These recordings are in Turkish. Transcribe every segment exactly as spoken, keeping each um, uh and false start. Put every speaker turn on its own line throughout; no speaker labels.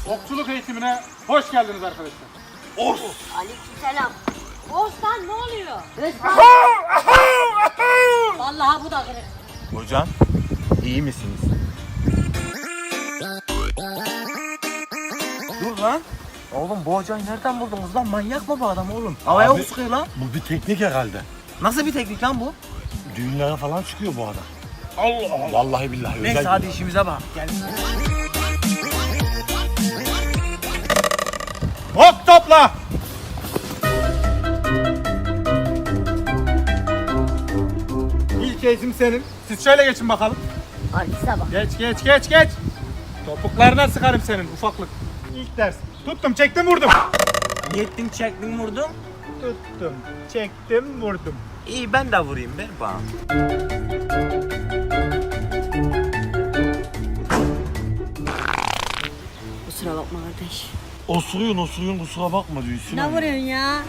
Okçuluk eğitimine hoş geldiniz arkadaşlar.
Os!
Aleykümselam. Oğuzhan ne oluyor? Resmen. Vallahi bu da kırık.
Hocam, iyi misiniz? Dur lan. Oğlum bu hocayı nereden buldunuz lan? Manyak mı bu adam oğlum? Havaya
Abi-
mı sıkıyor lan?
Bu bir teknik herhalde.
Nasıl bir teknik lan bu?
Düğünlere falan çıkıyor bu adam. Allah Allah. Vallahi billahi.
Neyse
özel
hadi
bir-
işimize bak. Gel.
Hop topla! İlk eğitim senin. Siz şöyle geçin bakalım.
Artiste bak.
Geç geç geç geç. Topuklarına sıkarım senin ufaklık. İlk ders. Tuttum çektim vurdum.
Yettin çektin vurdun.
Tuttum çektim vurdum.
İyi ben de vurayım ver bana.
Kusura bakma kardeş.
Osuruyun osuruyun kusura bakma diyor.
Ne vuruyorsun ya?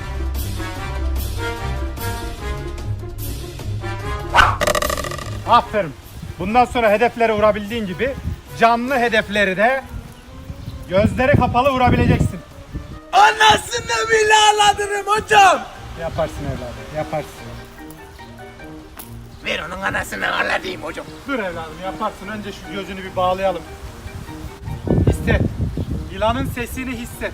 Aferin. Bundan sonra hedeflere vurabildiğin gibi canlı hedefleri de gözleri kapalı vurabileceksin.
Anasını bile ağladırım hocam.
Yaparsın evladım yaparsın.
Ver onun anasını ağladayım hocam.
Dur evladım yaparsın. Önce şu gözünü bir bağlayalım. Hisset. Yılanın sesini hisset.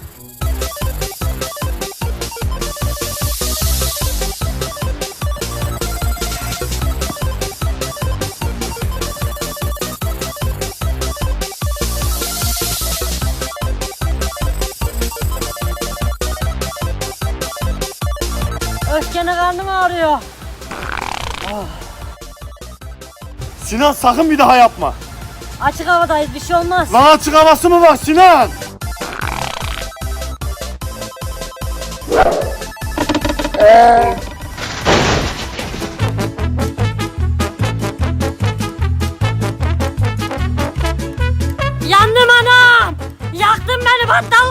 Öfkene karnım ağrıyor.
Sinan sakın bir daha yapma.
Açık havadayız bir şey olmaz.
Lan açık havası mı var Sinan?
Yandım anam. Yaktın beni battal